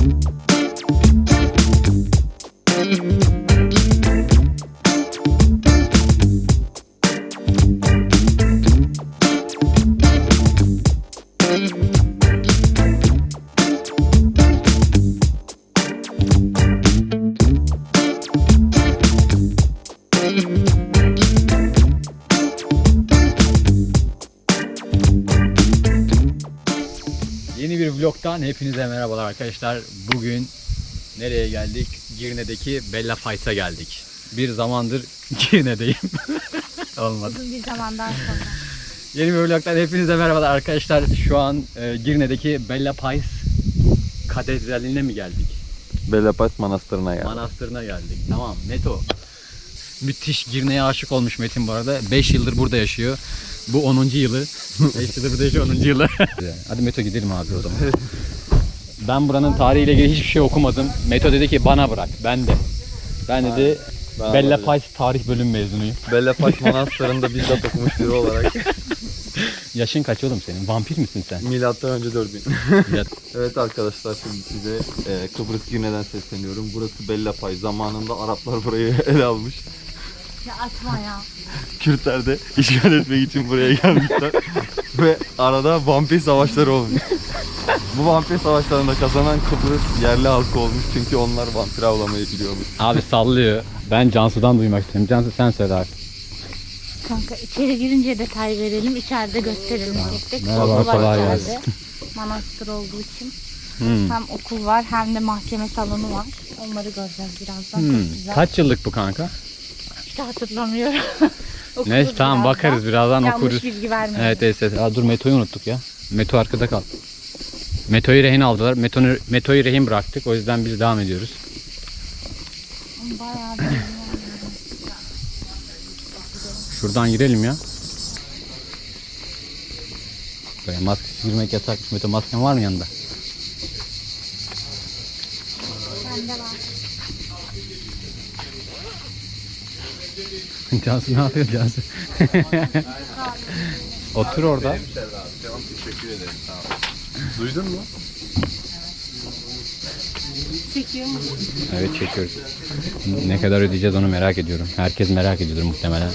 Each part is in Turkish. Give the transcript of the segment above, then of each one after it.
Yeni bir vlogtan hepinize merhabalar arkadaşlar. Bugün nereye geldik? Girne'deki Bella Pais'a geldik. Bir zamandır Girne'deyim. Olmadı. Uzun bir zamandan sonra. Yeni bir vlogtan hepinize merhabalar arkadaşlar. Şu an Girne'deki Bella Pais Katedrali'ne mi geldik? Bella Pais Manastırı'na geldik. Manastırına geldik. Tamam, Meto. Müthiş, Girne'ye aşık olmuş Metin bu arada. 5 yıldır burada yaşıyor. Bu 10. yılı. 5 yıldır burada yaşıyor, 10. yılı. Hadi Meto gidelim abi o zaman. Ben buranın tarihiyle ilgili hiçbir şey okumadım. Meto dedi ki bana bırak. Ben dedi Bella Pais tarih bölüm mezunuyum. Bella Pais Manastırı'nda bizzat okumuş biri olarak. Yaşın kaç oğlum senin? Vampir misin sen? Milattan önce 4000. Evet arkadaşlar, şimdi size Kıbrıs Girne'den sesleniyorum. Burası Bella Pais. Zamanında Araplar burayı ele almış. Ya atma ya. Kürtler de işgal etmek için buraya gelmişler. Ve arada vampir savaşları olmuş. Bu vampir savaşlarında kazanan Kıbrıs yerli halkı olmuş. Çünkü onlar vampir avlamayı biliyormuş. Abi sallıyor. Ben Cansu'dan duymak istiyorum. Cansu sen söyle abi. Kanka içeri girince detay verelim, içeride gösterelim tek tek. Merhaba, Okul var kolay içeride. gelsin. Manastır olduğu için. Hmm. Hem okul var hem de mahkeme salonu var. Onları göreceğiz birazdan. Çok güzel. Kaç yıllık bu kanka? İşte hatırlamıyorum. Okuruz Neyse tamam, birazdan. bakarız birazdan, Yanlış okuruz. bilgi vermeyelim. Evet. Aa, dur Meto'yu unuttuk ya. Meto arkada kal. Meto'yu rehin aldılar. Meto'yu rehin bıraktık. O yüzden biz devam ediyoruz. Bayağı bir Şuradan girelim ya. Böyle maskesiz girmek yasakmış. Meto, masken var mı yanında? bende var. Cansu ne yapıyor Cansu? Otur orada. Tamam, teşekkür ederim. Sağ ol. Duydun mu? Çekiyor mu? Evet, çekiyoruz. Ne kadar ödeyeceğiz onu merak ediyorum. Herkes merak ediyordur muhtemelen.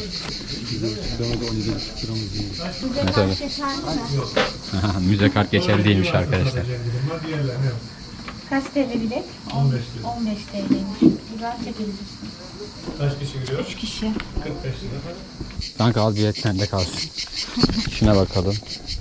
Mesela müze kart geçerli değilmiş arkadaşlar. Kaç TL bilet? 15 TL'ymiş. Güzel çekebilirsin. Kaç kişi giriyor? 3 kişi. 45 lira. Kanka al, bilet sende kalsın. Şuna bakalım.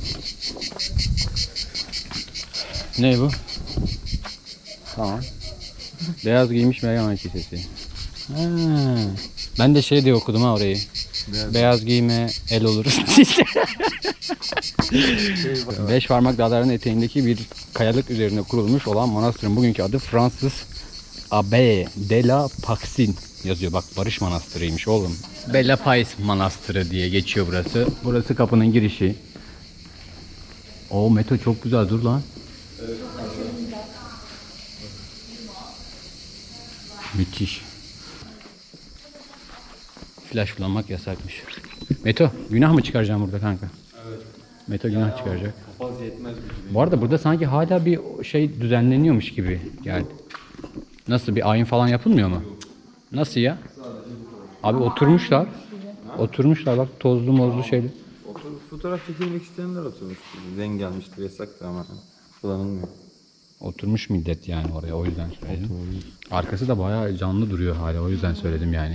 Ne bu? Tamam. Beyaz giymiş Meryem Kilisesi. Ben de şey diye okudum ha orayı. Beyaz giyme el olur. 5 parmak dağlarının eteğindeki bir kayalık üzerine kurulmuş olan manastırın bugünkü adı Fransız Abbaye de la Paxin yazıyor. Bak, Barış Manastırı'ymış oğlum. Bella Pais Manastırı diye geçiyor burası. Burası kapının girişi. O Meto çok güzel, dur lan. Müthiş. Flash kullanmak yasakmış. Meto, günah mı çıkaracağım burada kanka? Evet. Meto günah çıkaracak. Papaz yetmez mi? Bu arada burada sanki hala bir şey düzenleniyormuş gibi geldi. Nasıl, bir ayin falan yapılmıyor mu? Nasıl ya? Abi oturmuşlar. Oturmuşlar bak, tozlu mozlu şeyli. Fotoğraf çekilmek isteyenler oturmuş. Denk gelmiştir, yasaktı ama kullanılmıyor. Oturmuş millet yani oraya, o yüzden söyledim. Arkası da bayağı canlı duruyor hala, o yüzden söyledim yani.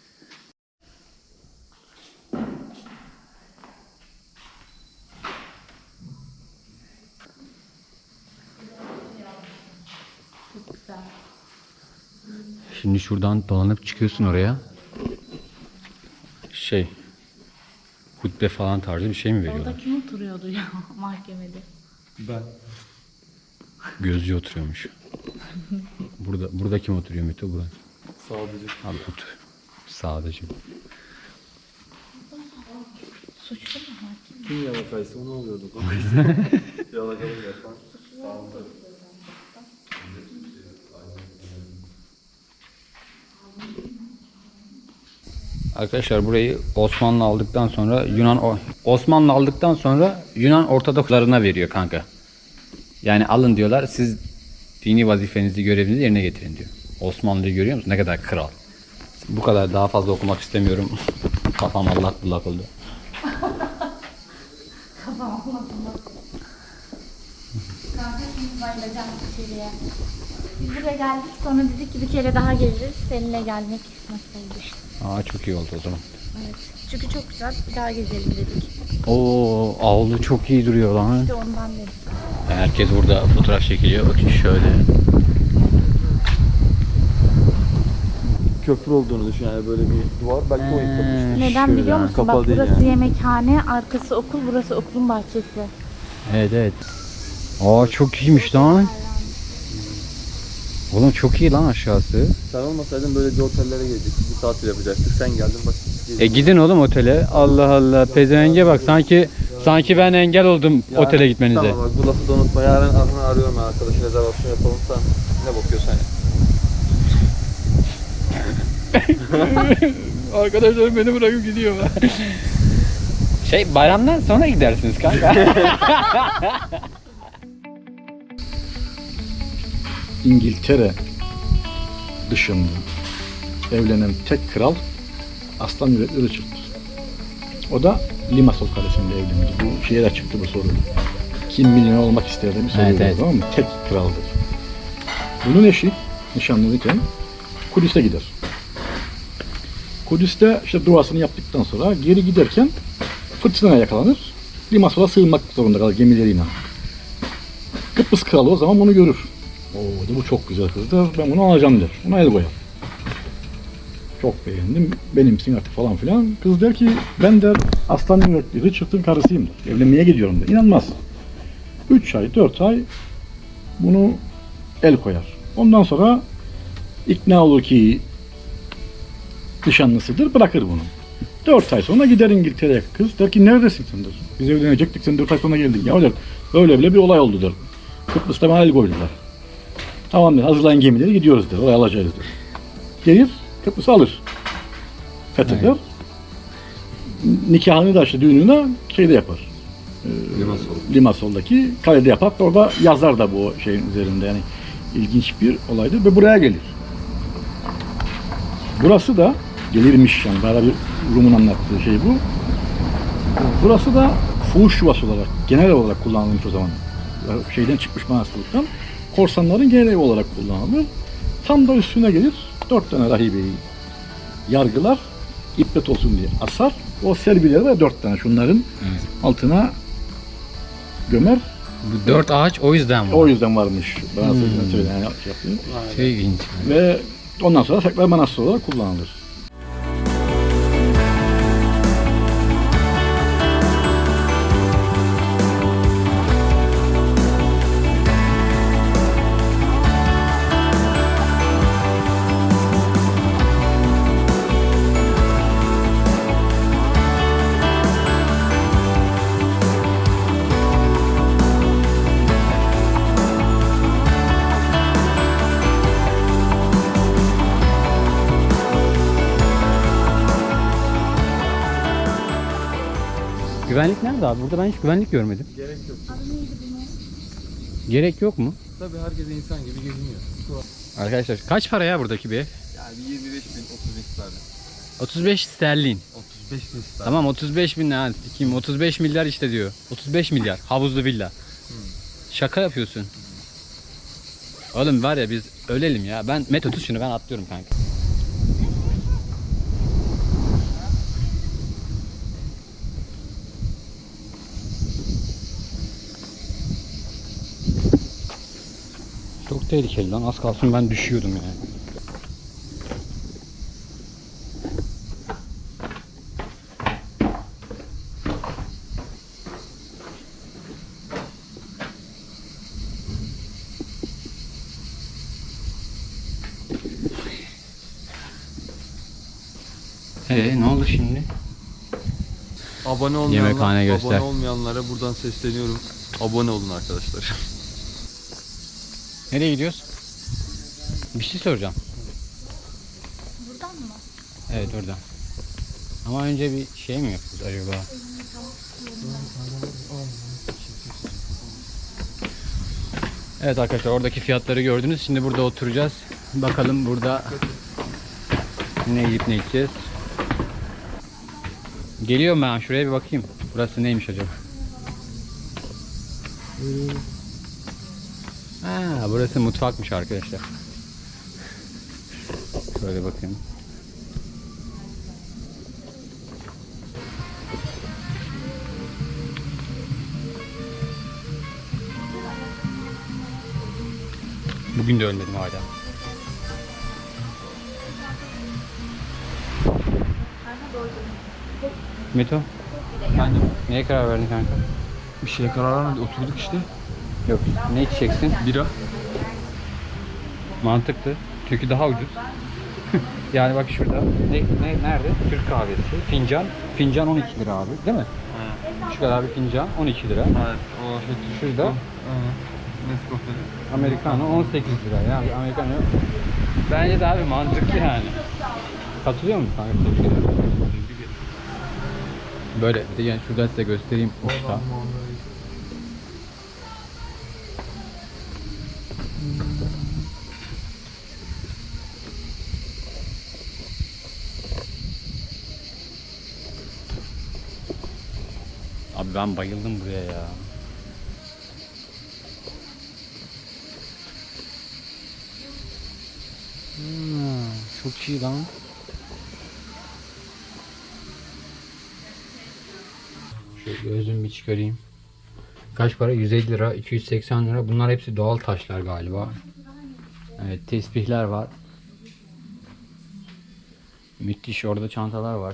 Şimdi şuradan dolanıp çıkıyorsun oraya. Hutbe falan tarzı bir şey mi veriyorlar? Orada kim oturuyordu ya mahkemede? Ben. Gözcü oturuyormuş. Burada kim oturuyor Meto? Burada. Sadece. Abi otur. Sadece. Suçlu mu hakim? Kim yalakaysa onu alıyorduk. Yalakalık yapan. Arkadaşlar burayı Osmanlı aldıktan sonra Yunan Ortodokslarına veriyor kanka. Yani alın diyorlar, siz Dini vazifenizi, görevinizi yerine getirin diyor. Osmanlı'yı görüyor musun? Ne kadar kral. Bu kadar, daha fazla okumak istemiyorum. Kafam allak bullak oldu. Kanka şimdi bayılacağım içeriye. Biz buraya geldik, sonra dedik ki bir kere daha geliriz. Seninle gelmek nasıl işte. Aa, çok iyi oldu o zaman. Evet. Çünkü çok güzel, bir daha gezelim dedik. Oo, avlu çok iyi duruyor lan. İşte ondan dedik. Herkes burada fotoğraf çekiliyor. Bakın şöyle. Köprü olduğunu düşün yani, böyle bir duvar. Belki o yıkılmıştır. Neden biliyor musun? kapalı Bak değil burası yani. yemekhane, arkası okul, burası okulun bahçesi. Evet evet. Aa, çok iyiymiş lan. Oğlum çok iyi lan aşağısı. Sen olmasaydın böyle bir otellere gelecektik. Bir tatil yapacaktık. Sen geldin bak. Gidin oğlum otele. Allah Allah. Pezevenge bak, sanki ben engel oldum otele gitmenize. Tamam bak, bu lafı da unutma. Yarın arıyorum ben arkadaşı, rezervasyon yapalım. Sen ne bakıyorsan ya. Arkadaşlar beni bırakıp gidiyor. Bayramdan sonra gidersiniz kanka. İngiltere dışında evlenen tek kral Aslan Yürekli Richard'dır. O da Limassol Kalesi'nde evlendi. Bu şeye de çıktı bu soru. Kim milyoner olmak ister diye bir soru Evet, evet. tamam mı? Tek kraldır. Bunun eşi nişanlanırken Kudüs'e gider. Kudüs'te işte duasını yaptıktan sonra geri giderken fırtınaya yakalanır. Limassol'a sığınmak zorunda kalır gemileriyle. Kıbrıs kralı o zaman bunu görür. Oo, bu çok güzel kızdır. Ben bunu alacağım der. Buna el koyar. Çok beğendim. Benimsin artık falan filan. Kız der ki ben der Aslan Yürekli Richard'ın karısıyım der. Evlenmeye gidiyorum der. İnanmaz. 3 ay 4 ay bunu el koyar. Ondan sonra ikna olur ki nişanlısıdır. Bırakır bunu. 4 ay sonra gider İngiltere'ye. Kız der ki neredesin sen der. Biz evlenecektik, sen 4 ay sonra geldin. Ya der. Öyle bile bir olay oldu der. Kıbrıs'ta bana el koydular. Tamam der, hazırlayın gemileri gidiyoruz der, oraya alacağız der. Gelir, Kıbrıs'ı alır. Fetheder. Evet. Nikahını da işte düğününü şeyde yapar. Limassol'daki kalede yapar. Orada yazar da bu şeyin üzerinde, yani ilginç bir olaydır ve buraya gelir. Burası da gelirmiş yani, bana bir Rum'un anlattığı şey bu. Burası da fuhuş yuvası olarak, genel olarak kullanılmış o zaman. Şeyden çıkmış manastırlıktan. Korsanların genel evi olarak kullanılır. Tam da üstüne gelir. 4 tane rahibeyi yargılar. İbret olsun diye asar. O serbileri de 4 tane şunların altına gömer. Bu 4 ağaç o yüzden var. O yüzden varmış. Bana söylenen şey yaptı. Çok ilginç. Ve ondan sonra tekrar manastır olarak kullanılır. Güvenlik nerede abi? Burada ben hiç güvenlik görmedim. Gerek yok. Gerek yok mu? Tabii herkes insan gibi geziniyor. Arkadaşlar kaç para ya buradaki bir ev? Yani 25.000, 35 tane. 35 sterlin. 35 bin tane. Tamam 35 bin ne? Kim? 35 milyar işte diyor. 35 milyar. Havuzlu villa. Şaka yapıyorsun. Oğlum var ya biz ölelim ya. Ben Meto tut şunu, ben atlıyorum kanka. Çok tehlikeli lan. Az kalsın ben düşüyordum yani. Ne oldu şimdi? Abone olmayanlar, Yemekhane göster. abone olmayanlara buradan sesleniyorum. Abone olun arkadaşlar. Nereye gidiyoruz? Bir şey soracağım. Buradan mı? Evet oradan. Ama önce bir şey mi yapıyoruz acaba? Evet arkadaşlar, oradaki fiyatları gördünüz. Şimdi burada oturacağız. Bakalım burada ne yiyip ne içeceğiz. Geliyorum ben, şuraya bir bakayım. Burası neymiş acaba? Ha, burası mutfakmış arkadaşlar. Şöyle bakayım. Bugün de ölmedim hala. Meto, Bence neye karar verdin kanka? bir şeye karar vermedik. Oturduk işte. Yok, ne içeceksin? Bira. Mantıklı. Çünkü daha ucuz. Yani bak şurada. Nerede? Türk kahvesi. Fincan 12 lira abi, değil mi? Şu kadar bir fincan 12 lira. Evet. O şey. Şurada Nescafe. Americano 18 lira. Yani Americano bence daha bir mantıklı yani. Katılıyor musun kanka? Böyle bir de yani şuradan size göstereyim usta. Abi ben bayıldım buraya ya. Çok iyi lan. Şöyle gözümü bir çıkarayım. Kaç para? 150 lira, 280 lira. Bunlar hepsi doğal taşlar galiba. Evet, tesbihler var. Müthiş, orada çantalar var.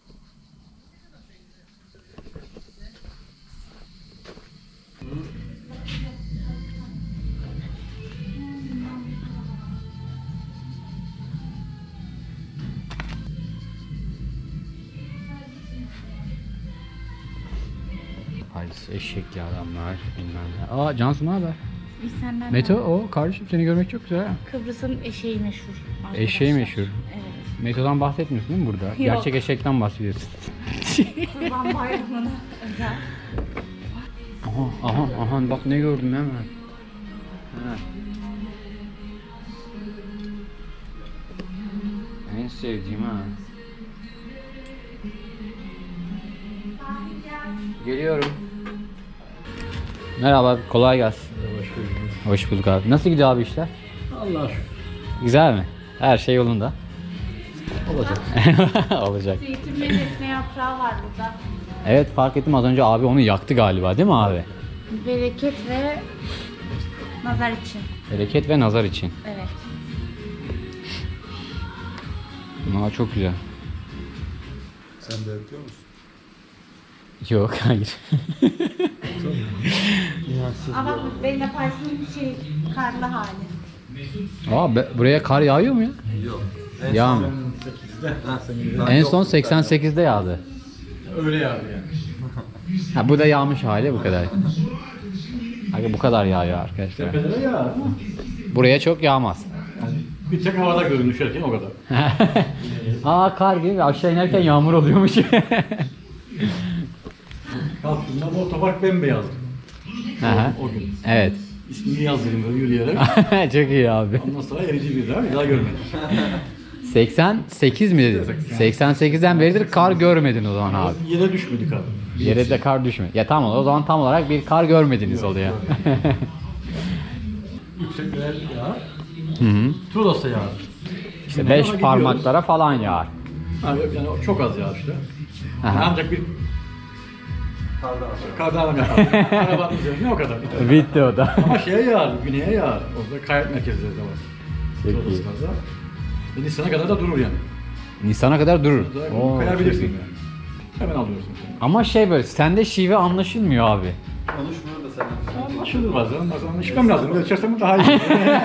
Halis eşekli adamlar bilmem ne. Aa Cansu ne haber? Biz senden Meto o kardeşim, seni görmek çok güzel. Kıbrıs'ın eşeği meşhur. arkadaşlar. Eşeği meşhur. Evet. Meto'dan bahsetmiyorsun değil mi burada? Gerçek eşekten bahsediyorsun. Kurban Bayramı'na özel. Aha bak ne gördüm hemen. Ha. En sevdiğim ha. Geliyorum. Merhaba, kolay gelsin. Hoş bulduk abi. Nasıl gidiyor abi işler? Allah şükür. Güzel mi? Her şey yolunda. Olacak. Olacak. Zeytin ve defne yaprağı var burada. Evet, fark ettim az önce abi onu yaktı galiba, değil mi abi? Bereket ve nazar için. Bereket ve nazar için. Evet. Aa, çok güzel. Sen de yapıyor musun? Yok, hayır. Ama bak benimle Paris'in karlı hali. Buraya kar yağıyor mu ya? Yok. Yağmıyor. En son 88'de yağdı. Öyle yağdı yani. Ha, bu da yağmış hali, bu kadar. Abi bu kadar yağıyor arkadaşlar. Tepelere yağar ama Buraya çok yağmaz. bir tek havada görün düşerken o kadar. Aa, kar gibi aşağı inerken yağmur oluyormuş. Kalktığımda bu otopark bembeyazdı. Aha. O gün. Evet. İsmini yazdırdım böyle yürüyerek. Çok iyi abi. Ondan sonra erici bir daha görmedim. 88 mi dedin? 88'den beridir kar görmedin o zaman abi. Yere düşmedik abi. Yere de kar düşmedi. Ya tamam, o zaman tam olarak bir kar görmediniz oluyor. Yüksekler yağar. Hı hı. Turos'a yağar. İşte Güneye 5 doğru parmaklara falan yağar. gidiyoruz. Yani çok az yağar işte. Aha. Ancak bir kardan yapar. Arabanın üzerine o kadar. Bitti o da. Ama şeye yağar, güneye yağar. Orada kayak merkezleri de var. Çok iyi. Toros'larda. Ve Nisan'a kadar da durur yani. Nisan'a kadar durur. Orada Oo, kayabilirsin çok iyi. yani. Hemen alıyorsun seni. Ama şey böyle, sende şive anlaşılmıyor abi. Konuşmuyor da sen. Anlaşılır bazen içmem lazım. Böyle içersem daha iyi.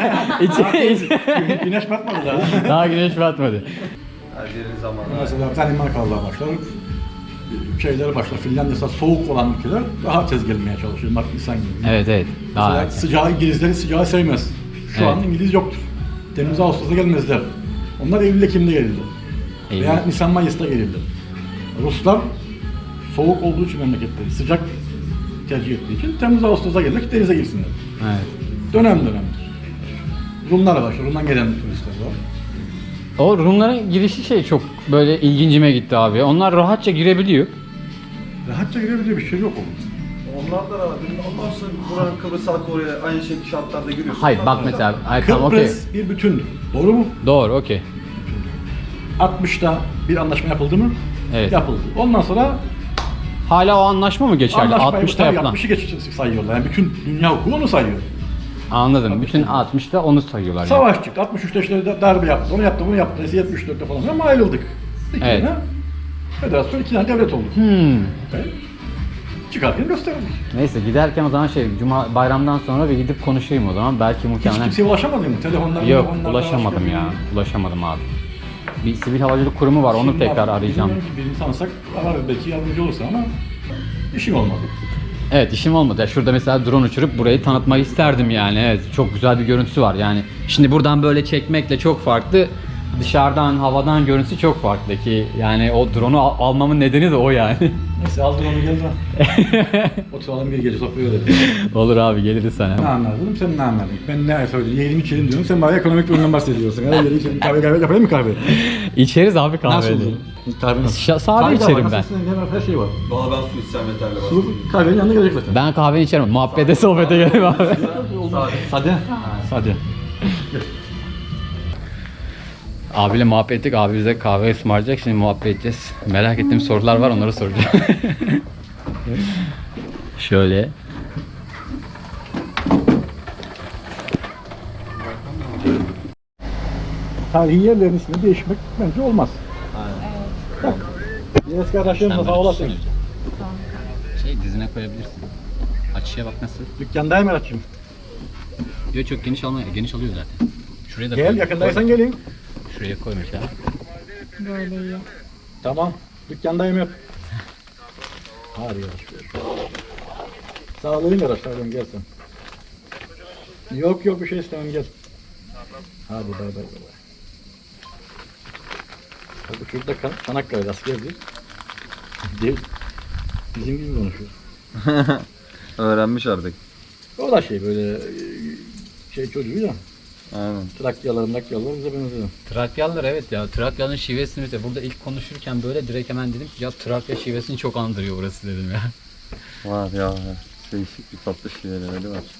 Güneş batmadı daha. Daha güneş batmadı. Her yerin zamanı. Mesela Danimarkalılar başlar. Şeyler başlar. Finlandiya'da soğuk olan ülkeler daha tez gelmeye çalışıyor. Mart, Nisan gibi. Evet. Daha Mesela erken. sıcağı, İngilizlerin sıcağı sevmez. Şu Evet. an İngiliz yoktur. Temmuz Ağustos'ta gelmezler. Onlar Eylül Ekim'de gelirler. Eylül. Veya Nisan Mayıs'ta gelirler. Ruslar soğuk olduğu için memleketleri sıcak tercih ettiği için Temmuz Ağustos'ta gelirler ki denize girsinler. Evet. Dönem dönemdir. Rumlar var, Rum'dan gelen turistler var. O Rumların girişi şey çok böyle ilgincime gitti abi. Onlar rahatça girebiliyor. Rahatça girebildiği bir şey yok onun. Onlar da rahat. Ondan sonra buranın Kıbrıs halkı oraya aynı şekilde şartlarda giriyorsun. Hayır bak mesela. Hayır, tamam okey. Kıbrıs bir bütündür. Doğru mu? Doğru okey. 60'ta bir anlaşma yapıldı mı? Evet. Yapıldı. Ondan sonra Hala o anlaşma mı geçerli? 60'ta yapılan. 60'ı geç sayıyorlar. Yani bütün dünya hukuku onu sayıyor. Anladım. Bütün 60'ta onu sayıyorlar yani. Savaş çıktı. 63'te işte darbe yaptı. Onu yaptı, bunu yaptı. 74'te falan ama ayrıldık. İki Evet. tane federasyon, iki tane devlet oldu. Evet. Çıkarken gösterildik. Neyse giderken o zaman Cuma bayramdan sonra bir gidip konuşayım o zaman. Belki Hiç muhtemelen... kimseye ulaşamadın mı? Telefonlar, Yok telefonlar, ulaşamadım başka ya. bir- Ulaşamadım abi. Bir sivil havacılık kurumu var onu Şimdi tekrar bak, arayacağım. bilmiyorum ki birini tanısak ararız belki yardımcı olursa ama işim olmadı. Evet işim olmadı. Ya şurada mesela drone uçurup burayı tanıtmak isterdim yani. Evet çok güzel bir görüntüsü var yani. Şimdi buradan böyle çekmekle çok farklı. Dışarıdan, havadan görüntüsü çok farklı ki yani o drone'u almamın nedeni de o yani. Neyse aldım onu gel lan. Oturalım bir gece sohbet edelim. Olur abi geliriz Ne sana. anladın? Sen ne anladın? Ben ne söyledim? Yiyelim içelim diyorum. Sen bana ekonomik durumdan bahsediyorsun. Hadi yiyelim içelim. Kahve yapayım mı kahve? İçeriz abi Nasıl kahveli. olur? Kahve nasıl? Sade Kahve de içerim var, ben. nasıl? Ne var? Her şey var. Valla ben su içsem yeterli var. Su kahvenin yanına gelecek zaten. Ben kahve içerim. Muhabbete sohbete gelelim abi. Sade. Sade. Abiyle muhabbet ettik. Abi bize kahve ısmarlayacak. Şimdi muhabbet edeceğiz. Merak ettiğim sorular var. Onları soracağım. Şöyle. Tarihi yerlerin ismini değişmek bence olmaz. Bak. Eski arkadaşlarımla sağ olasın. Dizine koyabilirsin. Açıya bak nasıl. Dükkandayım Erat'cığım. Yok çok geniş almıyor. Geniş alıyor zaten. Şuraya da Gel yakındaysan geleyim. Şuraya koymuş ya. Böyle iyi. Tamam. Dükkandayım hep. Hadi yavaş. Sağlayayım araçlardan gel sen. Yok bir şey istemem gel. Hadi bay. Bak şurada Çanakkale'de askerdir. Bizim gibi konuşuyor. Öğrenmiş artık. O da böyle çocuğu ya. Aynen. Trakyalar bize benziyor. Trakyalılar evet ya. Trakyalıların şivesini mesela burada ilk konuşurken böyle direkt hemen dedim ki ya Trakya şivesini çok andırıyor burası dedim ya. Var ya. Değişik bir tatlı şeyleri var.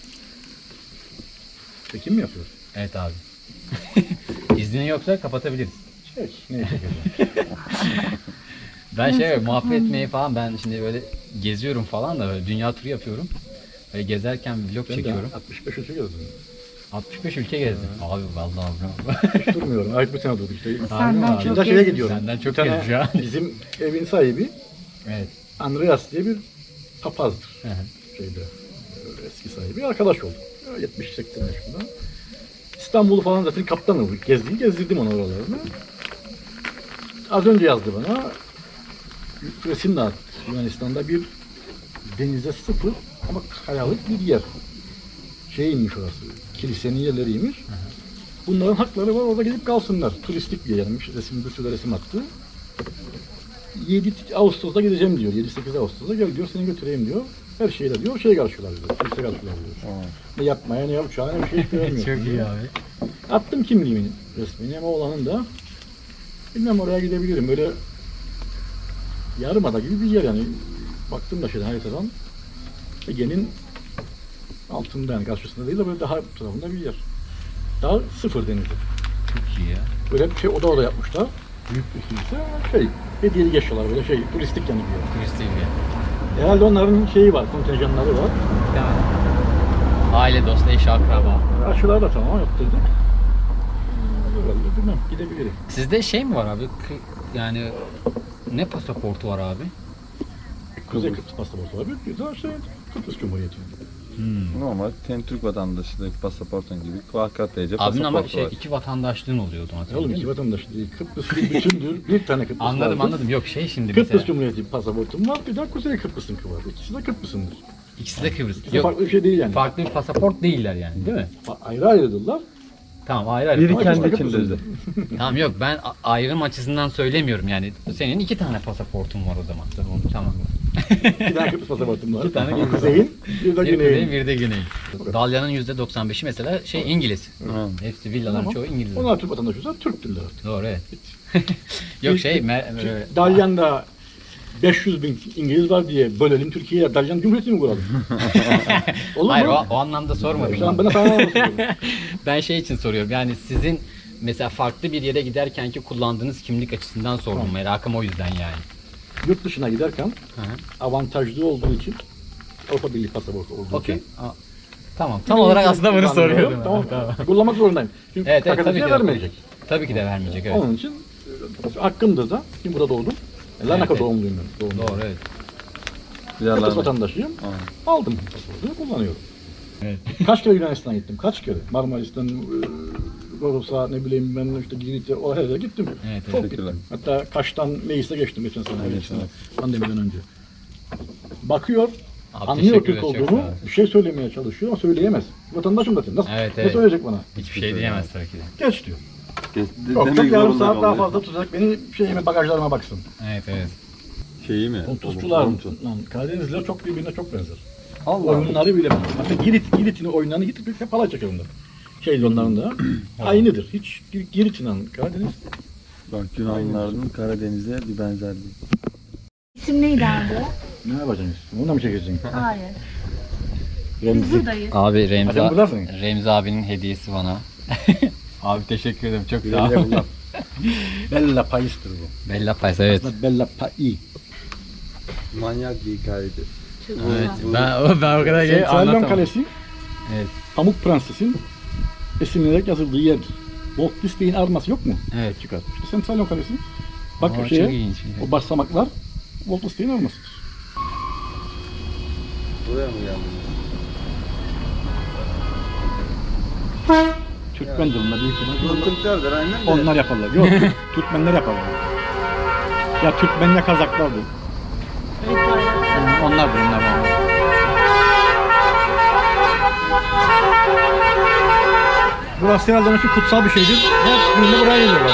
Çekim mi yapıyor? Evet abi. İznin yoksa kapatabiliriz. Neye çekeceğim? Ben muhabbet etmeyi falan ben şimdi böyle geziyorum falan da böyle dünya turu yapıyorum. Böyle gezerken vlog Ben çekiyorum. de 65 ülke gezdim. 65 ülke gezdim. Abi vallahi bravo. Hiç durmuyorum. Ayıp bir sene durduk işte. Senden abi? çok Şimdi şeye gezmiş. gidiyorum. Senden çok Bir tane gezmiş ya. Bizim evin sahibi Evet. Andreas diye bir papazdır. Hı hı. Eski sahibi arkadaş olduk. 70-80 yaşında. İstanbul'u falan zaten kaptan olduk. Gezdirdim onu oralarını. Az önce yazdı bana. Resim de attı. Yunanistan'da bir denize sıfır ama kayalık bir yer. Şeymiş orası. Kilisenin yerleriymiş. Bunların hakları var. Orada gidip kalsınlar. Turistik bir yermiş. Bir sürü resim attı. 7 Ağustos'ta gideceğim diyor. 7-8 Ağustos'ta gel diyor. Seni götüreyim diyor. Her şeyle diyor. Karşılar diyor. Turiste karşılar diyor. Ne yapmaya ne uçağa ne bir şey hiç göremiyor. Çok iyi abi. Attım kimliğimin resmini ama oğlanın da bilmem oraya gidebilirim. Böyle yarımada gibi bir yer yani. Baktım da haritadan Ege'nin altında yani karşısında değil de böyle daha tarafında bir yer. Daha sıfır denizde. Çok iyi ya. Böyle bir oda yapmışlar. Büyük bir kilise. Hediyelik yaşıyorlar böyle turistik yani bir yer. Turistik bir yer. Herhalde onların var, kontenjanları var. Aile, dost, eş, akraba. Aşılar da tamam yaptırdık. Herhalde bilmem gidebilirim. Sizde mi var abi? Yani ne pasaportu var abi? Kuzey Kıbrıs pasaportu var. Bir de Kıbrıs Cumhuriyeti. Normal Türk vatandaşlık pasaportun gibi KKTC Abinin ama pasaportu var. iki vatandaşlığın oluyordu hatırladın Oğlum değil iki mi? vatandaş değil. Kıbrıs bir bütündür. Bir tane Kıbrıs vardır. Anladım. Yok şimdi Kıbrıs mesela. Cumhuriyeti pasaportum var. Bir de Kuzey Kıbrıs'ınki var. İkisi de Kıbrıs'ındır. İkisi de Kıbrıs. İkisi Yok, farklı bir şey değil yani. farklı bir pasaport değiller yani değil mi? Ayrı ayrıdırlar. Tamam ayrı. Biri Ama kendi ikisi de içinde. Kıbrıs'ındır. Tamam yok ben ayrım açısından söylemiyorum yani. Senin iki tane pasaportun var o zaman. Tamam. Bir tane Kıbrıs pasaportum var. İki tane Bir kuzeyin, bir de Bir kuzey, güneyin. bir de güney. Dalyan'ın %95'i mesela İngiliz. Hı. Hepsi villaların Tamam. çoğu İngiliz. Onlar Türk vatandaşıysa Türktürler. Doğru evet. Yok Dalyan'da 500 bin İngiliz var diye bölelim Türkiye'ye Dalyan Cumhuriyeti mi kuralım? Olur Hayır mu? o anlamda sormadım. Şu an bana sana anlatıyorum. Ben şey için soruyorum. Yani sizin mesela farklı bir yere giderken ki kullandığınız kimlik açısından sordum. Tamam. Merakım o yüzden yani. Yurt dışına giderken Hı hı. avantajlı olduğu için Avrupa Birliği pasaportu olduğu Okey. için Tamam. Tam olarak aslında bunu soruyordum. Tamam. Kullanmak zorundayım. Çünkü Evet, evet tabii tabii ki de. vermeyecek. Tabii ki de vermeyecek evet. Onun için hakkımda da şimdi burada doğdum. Larnaka evet. doğumluyum ben. Doğumluyum. Doğru evet. Kıbrıs vatandaşıyım. Aldım pasaportu, kullanıyorum. Evet. Kaç kere Yunanistan'a gittim, kaç kere? Marmaris'ten, Rodos'a, ne bileyim ben işte Girit'e, o her yere gittim. Evet, Çok evet. gittim. Hatta Kaş'tan Meis'e geçtim geçen sene, pandemiden önce. Bakıyor, Abi, anlıyor teşekkür Türk ederiz, çok olduğumu, sağ olun. bir şey söylemeye çalışıyor ama söyleyemez. Vatandaşım zaten. Nasıl, Evet, ne evet. söyleyecek bana? Hiçbir şey diyemez tabii ki de. Geç diyor. Demek Çok yarım zorunda saat daha kalıyor. fazla tutacak, beni şeyime, bagajlarıma baksın. Evet evet. Şeyi mi? Pontusçular, Pontus. Karadenizliler çok birbirine çok benzer. Allah. Oyunları bile benzer. Hatta Girit'in oyunlarını gidip hep halay çeker onlar. Şey onların da aynıdır. Hiç Girit'in Karadeniz. Bak Yunanlıların Karadeniz'e bir benzerliği. İsim neydi abi? Ne yapacaksın? Ondan mı çekeceksin? Hayır. Biz Remzi. buradayız. Abi Hadi buradasın. Remzi abinin hediyesi bana. Abi teşekkür ederim çok sağ ol. Güle güle. Bella Pais'tir bu. Bella Pais evet. Aslında Bella Pai. Manyak bir hikayeydi. Çok Evet. güzel. Ben o kadar iyi Sentralyon anlatamam. Kalesi, Evet. Pamuk Prenses'in esinlenerek yazıldığı yerdir. Walt Disney'in arması yok mu? Evet. Çıkar. İşte Sentralyon Kalesi. Bak Aa, çok köşeye, ilginç. o basamaklar Walt Disney'in armasıdır. Buraya mı geldin? Türkmendir bunlar büyük ihtimalle. Türklerdir aynen de. Onlar yaparlar. Yok, Türkmenler yaparlar. Ya Türkmen ya Kazaklardır. Onlardır onlar. Burası herhalde onun için kutsal bir şeydir. Her günde buraya geliyorlar.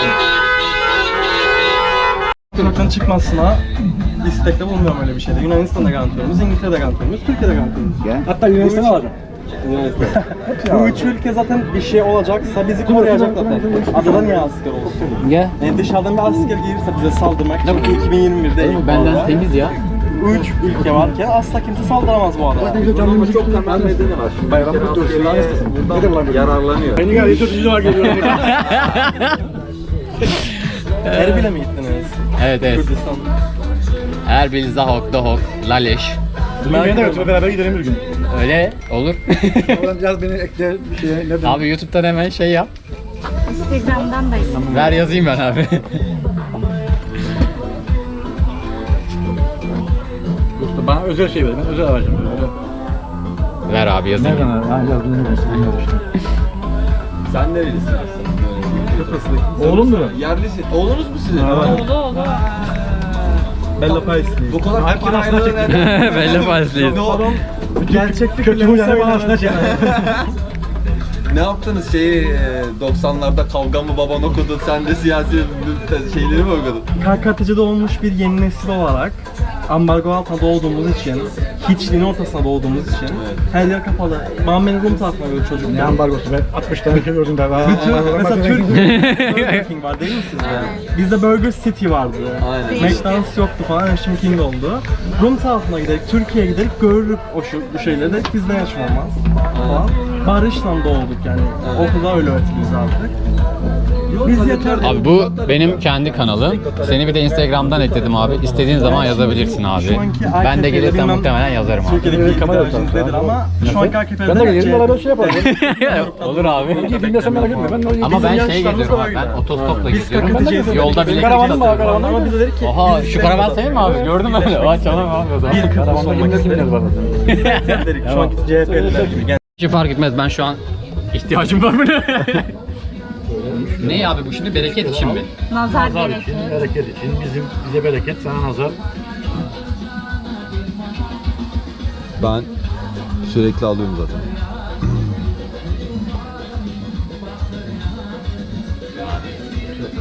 Sınıftan çıkmasına istekte bulunmuyorum öyle bir şeyde. Yunanistan'da garantörümüz, İngiltere'de garantörümüz, Türkiye'de garantörümüz. Hatta Yunanistan'ı alacağım. Bu üç ülke zaten bir şey olacaksa bizi koruyacak zaten. Adada niye asker olsun? Ya. Yani dışarıdan bir asker gelirse bize saldırmak çünkü 2021'de ilk Benden orada temiz ya. 3 ülke varken asla kimse saldıramaz bu adaya. Ama çok temel nedeni var. Şimdi Bayramımız dönsün. buradan yararlanıyor. Beni geldi 4. var geliyor. Erbil'e mi gittiniz? Evet evet. Kürdistan. Erbil, Zahok, Dohok, Laleş. Beni de götür beraber gidelim bir gün. Öyle olur. Oradan biraz beni ekle bir şeye. Neden? Abi YouTube'dan hemen şey yap. Instagram'dan da isim. Ver yazayım ben abi. Yoksa bana özel şey ver. Ben özel alacağım. Öyle. Ver abi yazayım. Nereden al? Yani biraz bilmiyorum. Sen nerelisin aslında? Oğlum mu? Yerlisin. Oğlunuz mu sizin? Oldu oldu. Bella Pais'liyiz. Bu kadar fikir ayrılığı nereden? Belli fazlayız. Gerçek Kötü fikirlerini huylarına bana aslında söylemez. Ne yaptınız şeyi 90'larda kavga mı baban okudu, sen de siyasi şeyleri mi okudun? KKTC'de olmuş bir yeni nesil olarak ambargo altında doğduğumuz için, hiçliğin ortasında doğduğumuz için her yer kapalı. Muhammed'in Rum tarafına göre çocuk. Ne ambargosu ben 60 tane ülke gördüm daha. Mesela Türk Burger King var değil mi sizde? Bizde Burger City vardı. Aynen. McDonald's yoktu falan, şimdi King oldu. Rum tarafına giderek, Türkiye'ye giderek görürük bu şeyleri de bizde yaşamamaz falan. Barış'la doğduk yani. Okulda öyle öğretiliyoruz artık. Biz yeter. Abi bu benim kendi kanalım. Seni bir de Instagram'dan ekledim abi. İstediğin zaman yazabilirsin abi. Şu anki Ben de AKP'yle gelirsem bilmem- muhtemelen yazarım abi. Türkiye'deki kamera kamera yok nedir ama şu anki AKP'de Ben de gelirim beraber şey yaparım. Olur abi. Dinlesem merak etme. Ben Ama ben şey yarışlarımız geziyorum da abi. var Ben yine. otostopla Biz gidiyorum. KKTC'yiz. Yolda bile Karavanım var, gidiyorum. karavanım Ama bize dedik ki Oha biz şu karavan senin mi abi? Gördün mü öyle? Vay çalalım abi o zaman. bir Kıbrıs Karavanda olmak kimler istedik. var zaten. Dedik şu anki CHP'liler gibi. Hiç fark etmez. Ben şu an ihtiyacım var buna. Ne abi bu şimdi bereket için mi? Nazar Nazar gerekir. için, bereket için. Bize bereket, sana nazar. Ben sürekli alıyorum zaten.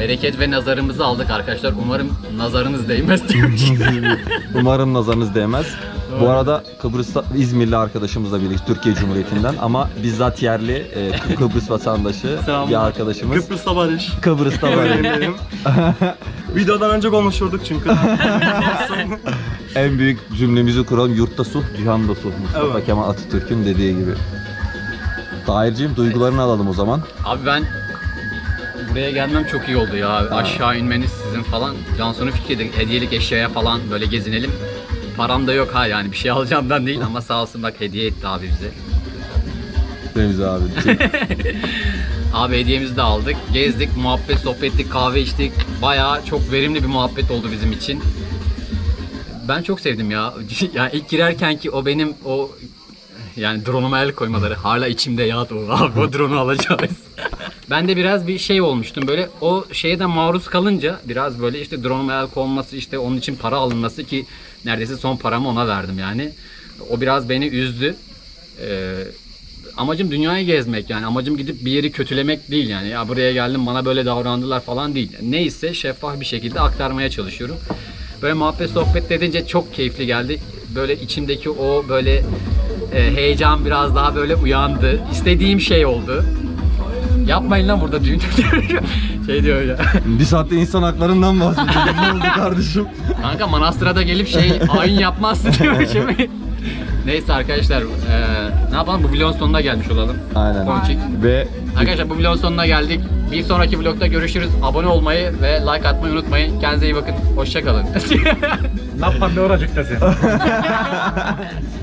Bereket ve nazarımızı aldık arkadaşlar. Umarım nazarınız değmez diyormuş. Umarım nazarınız değmez. Bu arada Kıbrıs'ta İzmirli arkadaşımızla birlikte Türkiye Cumhuriyeti'nden ama bizzat yerli Kıbrıs vatandaşı Selamlar. bir arkadaşımız. Kıbrıs'ta barış. Kıbrıs'ta var. Öğrenelim. Videodan önce konuşurduk çünkü. En büyük cümlemizi kuran yurtta sulh, cihanda sulh. Mustafa Evet. Kemal Atatürk'ün dediği gibi. Tahir'cim duygularını alalım o zaman. Abi ben buraya gelmem çok iyi oldu ya. Aşağı inmeniz sizin falan. Cansu'nun fikriydi. Hediyelik eşyaya falan böyle gezinelim. Param da yok ha yani bir şey alacağımdan değil ama sağ olsun bak hediye etti abi bize. Remzi abi. Abi hediyemizi de aldık. Gezdik, muhabbet, sohbet ettik, kahve içtik. Bayağı çok verimli bir muhabbet oldu bizim için. Ben çok sevdim ya. Yani ilk girerken ki o benim o yani drone'uma el koymaları hala içimde ya abi o drone'u alacağız. Ben de biraz bir şey olmuştum böyle o şeye de maruz kalınca biraz böyle işte drone'uma el konması işte onun için para alınması ki neredeyse son paramı ona verdim yani. O biraz beni üzdü. Amacım dünyayı gezmek yani amacım gidip bir yeri kötülemek değil yani ya buraya geldim bana böyle davrandılar falan değil. Neyse şeffaf bir şekilde aktarmaya çalışıyorum. Böyle muhabbet sohbet edince çok keyifli geldi. Böyle içimdeki o böyle heyecan biraz daha böyle uyandı. İstediğim şey oldu. Yapmayın lan burada düğün. Şey diyor öyle. Bir saatte insan haklarından bahsediyorum. Ne oldu kardeşim? Kanka manastıra da gelip ayin yapmazsın diyormuşum. Neyse arkadaşlar ne yapalım bu vlogun sonuna gelmiş olalım. Aynen. Ponçik. Ve Arkadaşlar bu vlogun sonuna geldik. Bir sonraki vlogda görüşürüz. Abone olmayı ve like atmayı unutmayın. Kendinize iyi bakın. Hoşça kalın. Ne yapan ne olacak da sen?